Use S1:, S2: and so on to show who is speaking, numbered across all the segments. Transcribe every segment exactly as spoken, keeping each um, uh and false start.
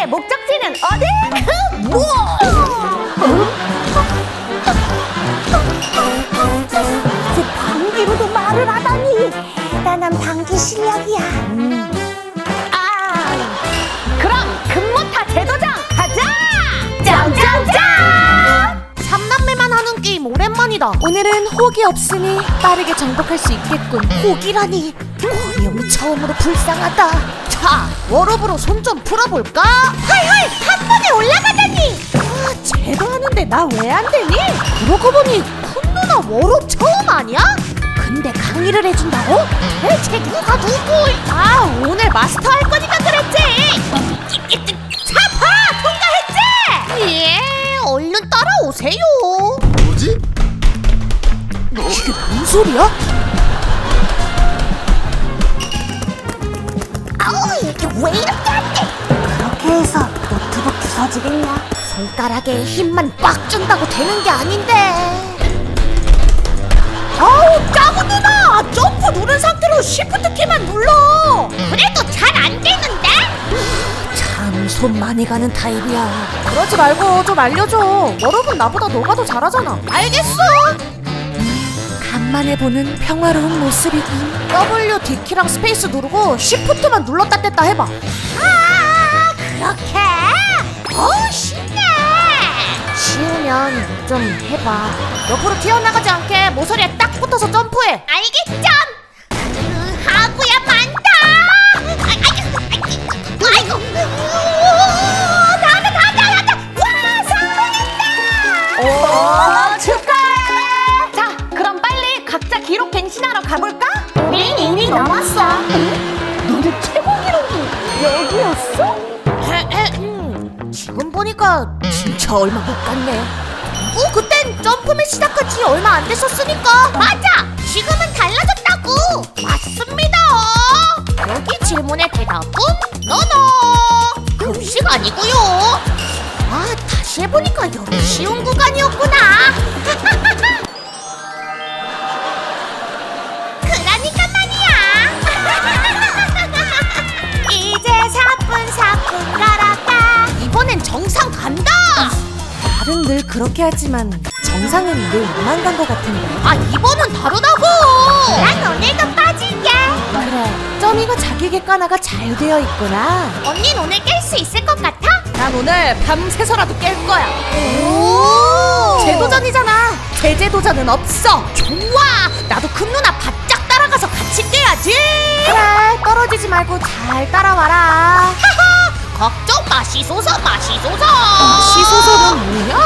S1: 목적지는 어디? 그 뭐? 이제 방귀로도 말을 하다니 대단한 방귀 실력이야. 음. 아, 그럼 금모타 제도장 가자! 짱짱짱!
S2: 삼남매만 하는 게임 오랜만이다. 오늘은 혹이 없으니 빠르게 정복할 수 있겠군.
S1: 혹이라니 어려움이 처음으로 불쌍하다.
S2: 자, 워럽으로 손 좀 풀어볼까?
S1: 헐헐 한 번에 올라가다니.
S2: 아, 쟤도 하는데 나 왜 안 되니? 그러고 보니 쿤 누나 워럽 처음 아니야?
S1: 근데 강의를 해준다고? 대체 누가 누구?
S2: 아, 오늘 마스터 할 거니까 그랬지.
S1: 차파 통과했지?
S2: 예, 얼른 따라오세요.
S3: 뭐지?
S2: 이게 뭔 소리야?
S1: 아우 이게 왜 이렇게 안 돼? 그렇게 해서 노트북 부서지겠냐?
S2: 손가락에 힘만 빡 준다고 되는 게 아닌데.
S1: 아우 짜고 누나 점프 누른 상태로 시프트 키만 눌러. 그래도 잘 안 되는데?
S2: 참 손 많이 가는 타입이야. 그러지 말고 좀 알려줘. 여러분 나보다 너가 더 잘하잖아.
S1: 알겠어.
S2: 간만에 보는 평화로운 모습이군. W, D키랑 스페이스 누르고 Shift만 눌렀다 뗐다 해봐.
S1: 아 그렇게? 어우 신나.
S2: 쉬우면 좀 해봐. 옆으로 튀어나가지 않게 모서리에 딱 붙어서 점프해.
S1: 알겠죠? 그 하구야 많다. 아이고 아이고 나다 나다 나다. 와 성공했다.
S2: 오,
S1: 축하해.
S2: 자, 그럼 빨리 각자 기록 갱신하러 가볼까?
S1: 우린 이미 넘었어. 너네 최고 기록이 여기였어?
S2: 음, 지금 보니까 진짜 얼마 못 갔네. 어, 그땐 점프맨 시작한 지 얼마 안 됐었으니까.
S1: 맞아. 지금은 달라졌다고.
S2: 맞습니다. 여기 질문의 대답은 노노. 급식 아니고요. 아, 다시 해보니까 여기 쉬운 구간이었구나.
S1: 그러니까 말이야. 이제 사뿐사뿐 걸어가.
S2: 이번엔 정상 간다. 다른 늘 그렇게 하지만 정상은 늘 나만 간 것 같은데. 아, 이번은 다르다고.
S1: 난 오늘도 빠질게.
S2: 그래, 점이가 자기 객관화가 잘 되어 있구나.
S1: 언닌 오늘 깰 수 있을 것 같아?
S2: 난 오늘 밤새서라도 깰 거야.
S1: 오.
S2: 재도전이잖아. 제재도전은 없어. 좋아. 나도 큰 누나 바짝 따라가서 같이 깨야지. 그래, 떨어지지 말고 잘 따라와라.
S1: 걱정 마시소서 마시소서.
S2: 시소설은 뭐야?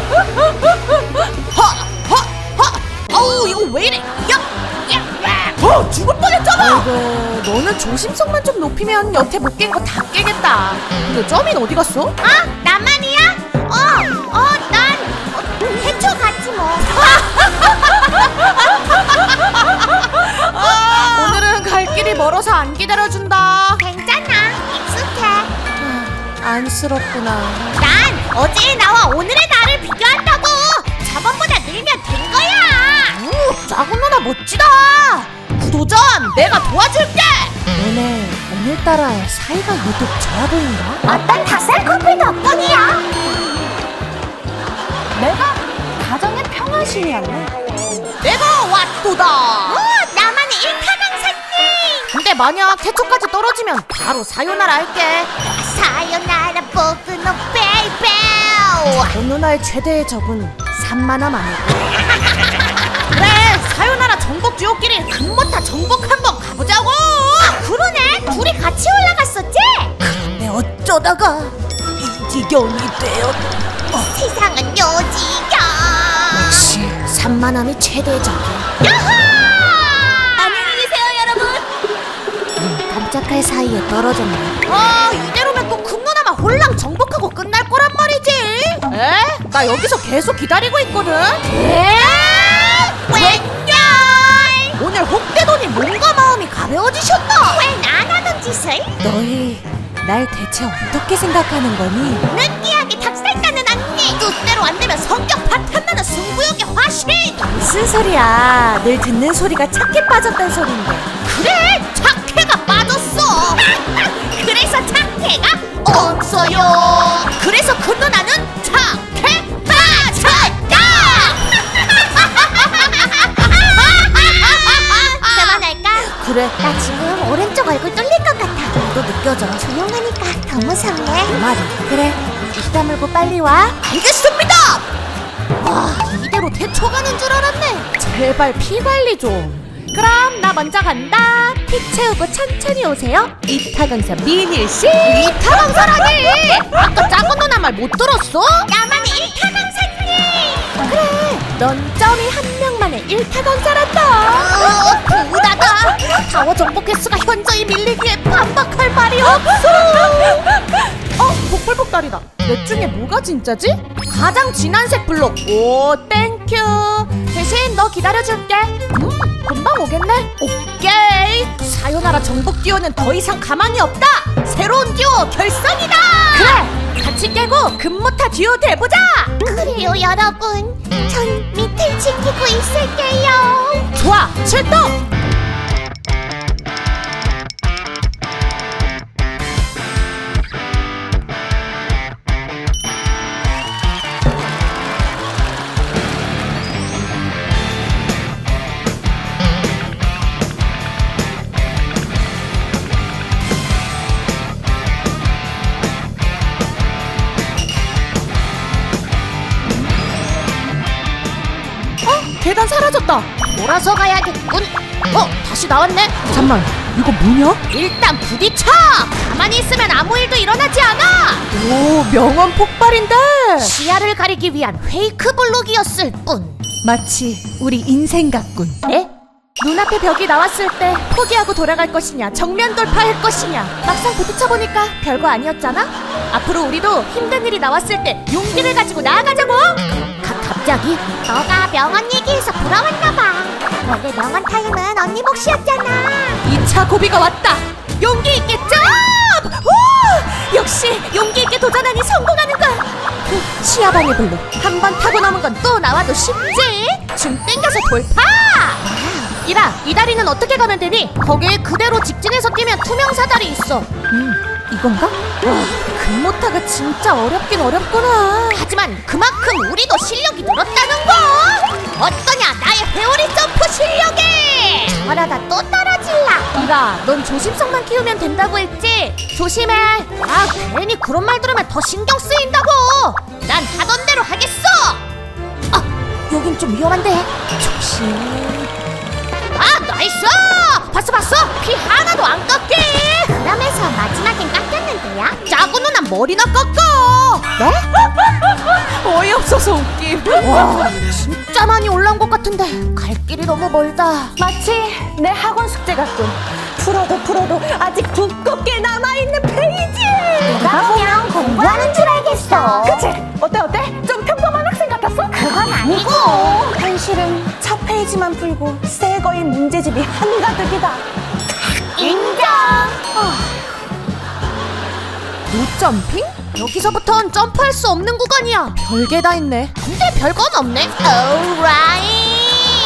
S2: 허허허. 어우, 이거 왜 이래? 야, 야, 어, 죽을 뻔했잖아. 아이고, 너는 조심성만 좀 높이면 여태 못 깬 거 다 깨겠다. 근데 점인 어디 갔어?
S1: 아 나만이야? 어어난 어, 해초 같지 뭐.
S2: 오늘은 갈 길이 멀어서 안 기다려준다.
S1: 괜찮아 익숙해.
S2: 안쓰럽구나.
S1: 난 어제의 나와 오늘의 나를 비교한다고. 저번보다 늘면 된 거야.
S2: 오, 작은 누나 멋지다. 구도전 내가 도와줄게. 너네 오늘따라 사이가 유독 좋아 보인다.
S1: 어떤 닭살 커플 덕분이야.
S2: 내가 가정의 평화신이었네. 내가 왔도다.
S1: 오 나만의 일타강사님.
S2: 근데 만약 태초까지 떨어지면 바로 사요나라 할게.
S1: 사요나라 보그노 베이베.
S2: 그 누나의 최대의 적은 산만함 아닐까. 그래, 사요나라 정복 듀오끼리 금모타 정복 한번 가보자고.
S1: 아 그러네. 둘이 같이 올라갔었지?
S2: 근데 어쩌다가 이 지경이 되었.
S1: 세상은 요지경.
S2: 역시 산만함이 최대의 적이야.
S1: 야호! 안녕히 계세요 여러분.
S2: 눈 깜짝할 사이에 떨어졌네. 아, 이대로면 또 큰 누나만 홀랑 정복하고 끝날 거란 말이지. 에? 나 여기서 계속 기다리고 있거든.
S1: 에? 웬열?
S2: 오늘 혹대더니 몸과 마음이 가벼워지셨나?
S1: 왜 안 하던 짓을?
S2: 너희 날 대체 어떻게 생각하는 거니?
S1: 느끼하게 닭살 까는 언니. 뜻대로 안 되면 성격 파탄나는 승부욕의 화신.
S2: 무슨 소리야? 늘 듣는 소리가 착해 빠졌단 소린데.
S1: 그래 착해가 빠졌어. 그래서 착해가 없어요. 그래서 그 누나는 착해 빠졌다. 그만할까?
S2: 그래.
S1: 나 지금 오른쪽 얼굴 뚫릴 것 같아.
S2: 또 느껴져.
S1: 조용하니까 더 무섭네.
S2: 그 말이. 그래. 입 다물고 빨리 와.
S1: 알겠습니다. 와, 이대로 대초 가는 줄 알았네.
S2: 제발 피 관리 좀. 그럼 나 먼저 간다. 피 채우고 천천히 오세요. 이타 강사 민일 씨.
S1: 이타 강사라니.
S2: 아까 작은 누나 말 못 들었어?
S1: 나만의 일타 강사님.
S2: 그래. 넌 점이 한 명만의 일타 강사란다.
S1: 어, 부다다.
S2: 타워 정보 개수가 현저히 밀리기에 반박할 말이 없어. 어, 복불복다리다. 넷 중에 뭐가 진짜지? 가장 진한 색 블록. 오, 땡큐. 대신 너 기다려줄게. 음, 금방 오겠네. 오케이. 사요나라 정복 듀오는 더 이상 가만히 없다. 새로운 듀오 결성이다. 그래. 같이 깨고 금모타 듀오 돼보자.
S1: 그래요, 여러분. 전 밑을 지키고 있을게요.
S2: 좋아, 출동. 계단 사라졌다.
S1: 돌아서 가야겠군.
S2: 어, 다시 나왔네. 잠만, 이거 뭐냐?
S1: 일단 부딪혀. 가만히 있으면 아무 일도 일어나지 않아.
S2: 오, 명언 폭발인데.
S1: 시야를 가리기 위한 페이크 블록이었을 뿐.
S2: 마치 우리 인생 같군.
S1: 네?
S2: 눈앞에 벽이 나왔을 때 포기하고 돌아갈 것이냐, 정면 돌파할 것이냐. 막상 부딪혀보니까 별거 아니었잖아. 앞으로 우리도 힘든 일이 나왔을 때 용기를 가지고 나아가자고.
S1: 가, 갑자기? 너가 명언 얘기해서 부러웠나봐. 원래 명언 타임은 언니 몫이었잖아.
S2: 이 차 고비가 왔다. 용기 있게 점! 오! 역시 용기 있게 도전하니 성공하는군. 후, 시야방해 블록. 한 번 타고 넘은 건 또 나와도 쉽지. 줌 땡겨서 돌파. 이라, 이 다리는 어떻게 가면 되니?
S1: 거기에 그대로 직진해서 뛰면 투명 사다리 있어.
S2: 음, 이건가? 와, 금모타가 진짜 어렵긴 어렵구나.
S1: 하지만 그만큼 우리도 실력이 늘었다는 거. 어떠냐, 나의 회오리 점프 실력이. 저러다 또 떨어질라.
S2: 이라, 넌 조심성만 키우면 된다고 했지? 조심해.
S1: 아, 괜히 그런 말 들으면 더 신경 쓰인다고. 난 하던 대로 하겠어.
S2: 아, 여긴 좀 위험한데. 조심.
S1: 아, 나이스! 봤어 봤어? 피 하나도 안 깎게. 그러면서 마지막엔 깎였는데요? 짜고 누나 머리나 깎아.
S2: 네? 어이없어서 웃김.
S1: 와, 진짜 많이 올라온 것 같은데 갈 길이 너무 멀다.
S2: 마치 내 학원 숙제 같군. 풀어도 풀어도 아직 두껍게 남아있는 페이지.
S1: 내가 보면 공부하는 줄 알겠어.
S2: 그치? 어때 어때? 좀 평범한 학생 같았어?
S1: 그건 아니고.
S2: 현실은 첫 페이지만 풀고 새 거인 문제집이 한가득이다.
S1: 인정.
S2: 노점핑?
S1: 여기서부턴 점프할 수 없는 구간이야.
S2: 별게 다 있네.
S1: 근데 별건 없네. 오라이.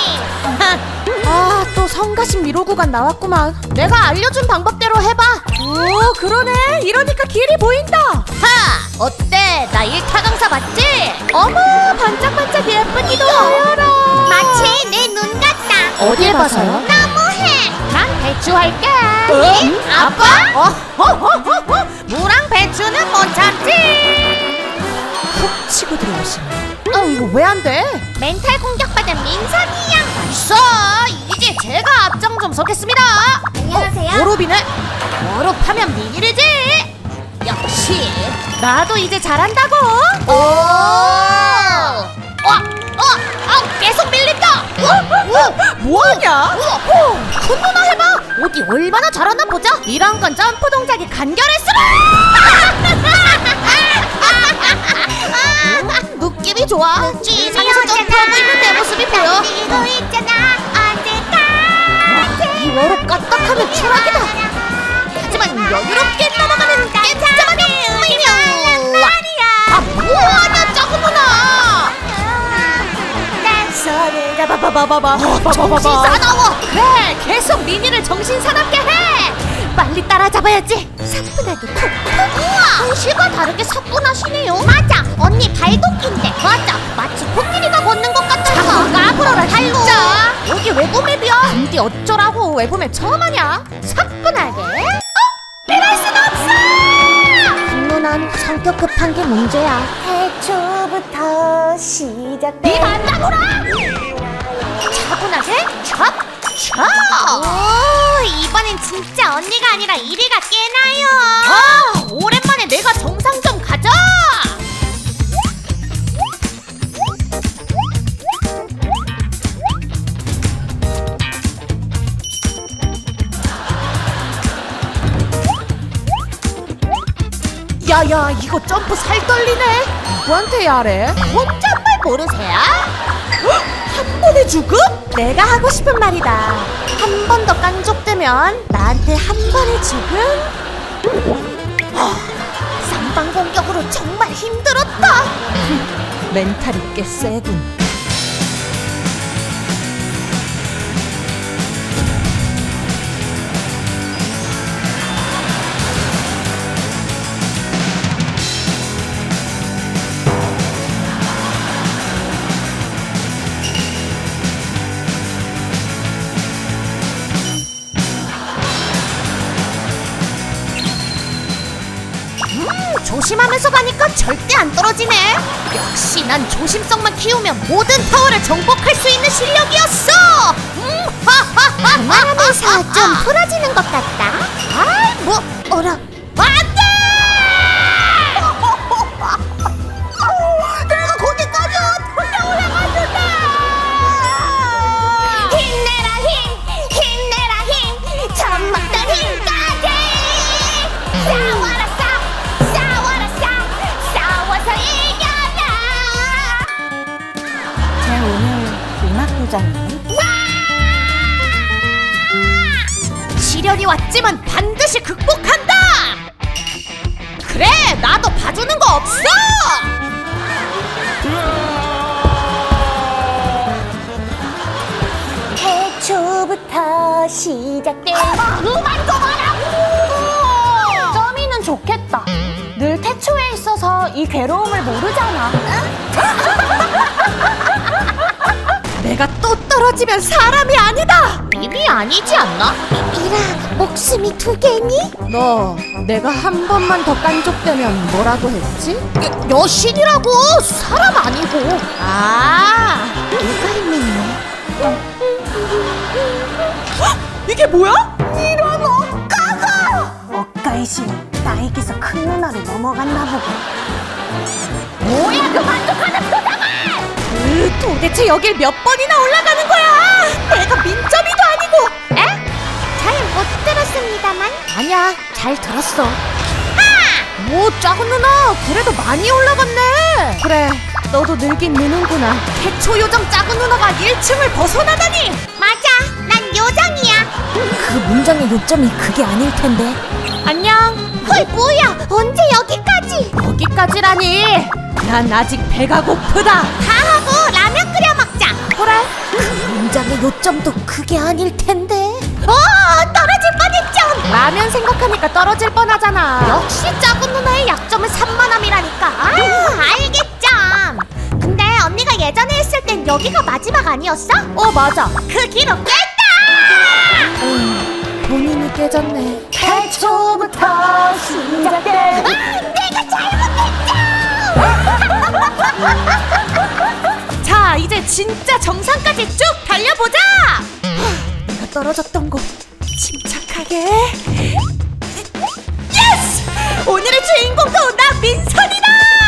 S2: 아, 또 성가신 미로 구간 나왔구만.
S1: 내가 알려준 방법대로 해봐.
S2: 오, 그러네. 이러니까 길이 보인다.
S1: 하! 어때? 나 일타 강사 맞지?
S2: 어머, 반짝반짝 예쁜 이도.
S1: 마치 내 눈 같다.
S2: 어딜 봐서요?
S1: 너무해. 난 배추 할게.
S2: 어?
S1: 아빠? 어허허허허. 무랑 배추는 못 참지.
S2: 훅 치고 들어오시네. 아, 이거 왜 안 돼?
S1: 멘탈 공격받은 민선이 양. 있어. 이제 제가 앞장 좀 서겠습니다. 안녕하세요.
S2: 오로비네.
S1: 워룹하면 미니르지. 역시.
S2: 나도 이제 잘한다고.
S1: 오. 어, 어, 아, 계속 밀린다. 오,
S2: 뭐하냐?
S1: 우와, 큰 누나 해봐. 어디 얼마나 잘하나 보자.
S2: 이런 건 점프 동작이 간결했으라.
S1: 음, 느낌이 좋아. 지상에서 점프하고 있는 내 모습이 보여. 이거 있잖아. 언제까지? 이 워룹 까딱하면 추락이다. 하지만 여유롭게 넘어가는 깜짝만의 의미는 말이야. 아, 뭐하냐, 작은 누나.
S2: 손을 잡아봐봐봐봐.
S1: 정신 사나워.
S2: 그래, 계속 미니를 정신 사납게 해. 빨리 따라잡아야지. 사뿐하게 콕.
S1: 우와, 현실과 다르게 사뿐하시네요. 맞아, 언니 발도끼인데. 맞아, 마치 코끼리가 걷는 것 같아서.
S2: 자꾸 까불어라
S1: 발로.
S2: 진짜. 여기 외부맵이야. 근데 어쩌라고 외부맵 처음 하냐?
S1: 사뿐하게. 어? 이럴 순 없어! 김누난 성격 급한 게 문제야.
S3: 태초부터 시작된
S1: 네 반다구라! 차분하게 촥! 촥! 오, 이번엔 진짜 언니가 아니라 이리가 깨나요.
S2: 아, 오랜만에 내가 정상 좀 가자. 야야, 이거 점프 살 떨리네. 누구한테 야래?
S1: 혼잣말 모르세요?
S2: 한 번에 죽음?
S3: 내가 하고 싶은 말이다. 한 번 더 깐족되면 나한테 한 번에 죽음?
S1: 쌍방 공격으로 정말 힘들었다.
S2: 멘탈이 꽤 세군.
S1: 조심하면서 가니까 절대 안 떨어지네. 역시 난 조심성만 키우면 모든 타워를 정복할 수 있는 실력이었어. 음, 하하하.
S3: 그만하면서 좀 풀어지는 것 같다.
S1: 아이, 뭐 어라? 안돼! 내가 거기까지 어떻게 올라갔는데? 힘내라 힘, 힘내라 힘, 전막들 힘까지. 싸워라 싸, 싸워라 싸, 싸워서 이겨라.
S3: 제 오늘 음악 도전은
S2: 시련이 왔지만 반드시 극복한다. 그래, 나도 봐주는 거 없어.
S3: 태초부터 시작된
S1: 그만 좀 하라고.
S3: 점이는 좋겠다. 늘 태초에 있어서 이 괴로움을 모르잖아.
S2: 내가 또 떨어지면 사람이 아니다.
S1: 이미 아니지 않나?
S3: 이라, 목숨이 두 개니?
S2: 너 내가 한 번만 더 깐족되면 뭐라고 했지?
S1: 여, 여신이라고 사람 아니고.
S2: 아,
S3: 누가 있는데?
S2: 이게 뭐야?
S3: 이런 억가가! 억가의 신, 나에게서 큰 누나로 넘어갔나 보고.
S1: 뭐야 그 만족하는 표정은!
S2: 으, 도대체 여길 몇 번이나 올라가는 거야? 내가 민점이도 아니고.
S1: 에? 잘 못 들었습니다만.
S2: 아니야, 잘 들었어. 오, 작은 누나, 그래도 많이 올라갔네. 그래, 너도 늘긴 느는구나. 태초 요정 작은 누나가 일 층을 벗어나다니.
S1: 맞아, 난 요정이야.
S3: 그 문장의 요점이 그게 아닐 텐데.
S2: 안녕.
S1: 헐 뭐야 언제 여기까지?
S2: 여기까지라니. 난 아직 배가 고프다.
S1: 다 하고 라면 끓여 먹자.
S2: 그래.
S3: 그 문장의 요점도 그게 아닐 텐데.
S1: 어 떨어질 뻔했죠.
S2: 라면 생각하니까 떨어질 뻔하잖아.
S1: 역시 작은 누나의 약점은 산만함이라니까. 아 알겠죠. 근데 언니가 예전에 했을 땐 여기가 마지막 아니었어?
S2: 어, 맞아.
S1: 그 기록 깼다.
S2: 음, 본인이 깨졌네.
S3: 태초부터 시작된
S1: 아, 내가 잘못했죠.
S2: 자, 이제 진짜 정상까지 쭉 달려보자. 내가 떨어졌던 곳 침착하게. 예스! 오늘의 주인공도 나 민선이다.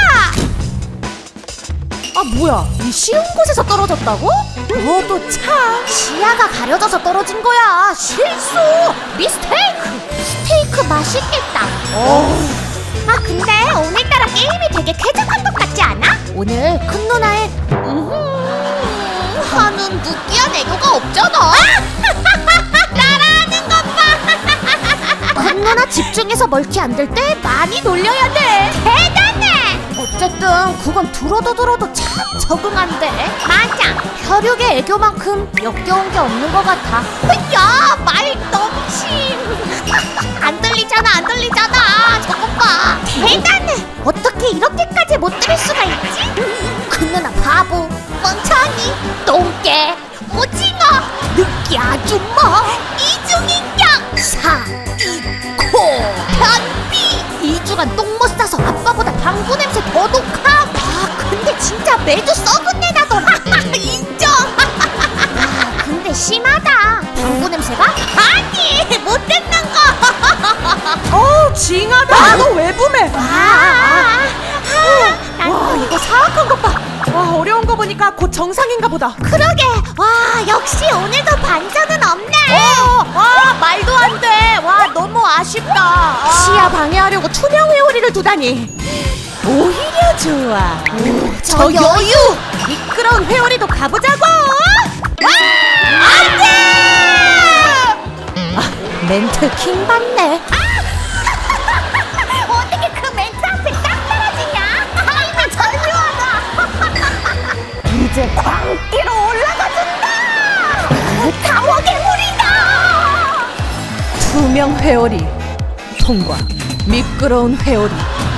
S2: 아, 뭐야? 이 쉬운 곳에서 떨어졌다고? 너도 참.
S1: 시야가 가려져서 떨어진 거야. 실수. 미스테이크. 스테이크 맛있겠다.
S2: 어.
S1: 아 근데 오늘따라 게임이 되게 쾌적한 것 같지 않아?
S2: 오늘 큰 누나의
S1: 음, 하는 느끼한 애교가 없잖아. 따라하는 것 봐.
S2: 큰 누나 집중해서 멀티 안 될 때 많이 놀려야 돼.
S1: 대단해.
S2: 어쨌든 그건 들어도 들어도 참 적응 안 돼.
S1: 맞아.
S2: 혈육의 애교만큼 역겨운 게 없는 것 같아.
S1: 야, 말 넘침. 안 들리잖아, 안 들리잖아. 와 저것 봐 대단해. 어떻게 이렇게까지 못 들을 수가 있지? 그 누나 바보, 멍청이, 똥개, 오징어, 느끼 아줌마, 이중인격, 사, 이, 코, 변비. 이 주간 똥 못 싸서 아빠보다 방구 냄새 더 독함. 아 근데 진짜 매주 썩은 내 나더라. 인정. 아 근데 심하다. 방구 냄새가? 아니 못됐는 거.
S2: 어우 징하다. 너 왜 붐해?
S1: 아, 아,
S2: 와 이거 사악한 것 봐. 와 어려운 거 보니까 곧 정상인가 보다.
S1: 그러게. 와 역시 오늘도 반전은 없네.
S2: 어, 와 말도 안 돼. 와 너무 아쉽다. 아. 시야 방해하려고 투명 회오리를 두다니. 오히려 좋아.
S1: 저
S2: 저 여유. 미끄러운 회오리도 가보자고. 안돼. 아, 멘트 킹 받네.
S1: 어떻게 그 멘트 앞에 딱 떨어지냐? 아이고 절묘하다.
S3: 이제 광기로 올라가준다.
S1: 타워 괴물이다.
S2: 투명 회오리 통과. 미끄러운 회오리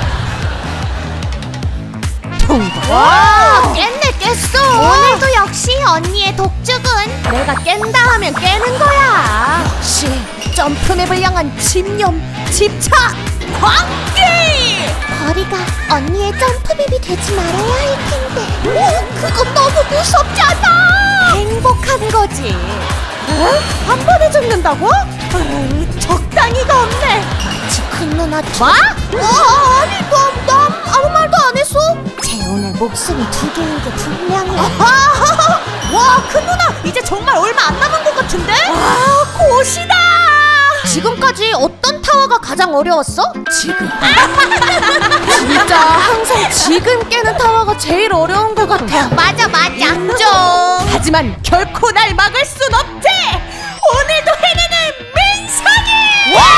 S2: 통과.
S1: 와 깼네 깼어. 오늘도 역시 언니의 독주군.
S2: 내가 깬다 하면 깨는 거야. 역시 점프맵을 향한 집념, 집착, 광기.
S1: 거리가 언니의 점프맵이 되지 말아야 할 텐데. 그건 너무 무섭잖아.
S2: 행복한 거지. 어? 한 번에 죽는다고? 어휴, 적당히가 없네.
S1: 큰 누나
S2: 뭐? 어, 아니 넌, 난 아무 말도 안 했어.
S1: 재훈의 목숨이 두 개인 게 분명해.
S2: 아하! 와, 큰 누나 이제 정말 얼마 안 남은 것 같은데? 와, 곧이다.
S1: 지금까지 어떤 타워가 가장 어려웠어?
S2: 지금. 진짜 항상 지금 깨는 타워가 제일 어려운 것 같아.
S1: 맞아 맞아.
S2: 인정. 하지만 결코 날 막을 순 없지. 오늘도 해내는 민상이. 와!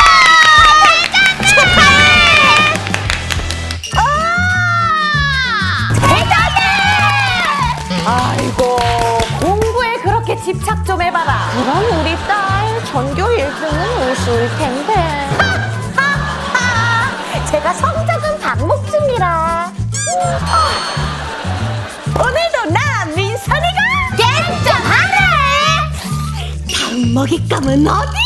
S2: 아이고 공부에 그렇게 집착 좀 해봐라.
S3: 그럼 우리 딸 전교 일 등은 우수일 텐데. 제가 성적은 반복 중이라. 오늘도 나 민선이가
S1: 땡짱하네.
S3: 다음 먹잇감은 어디?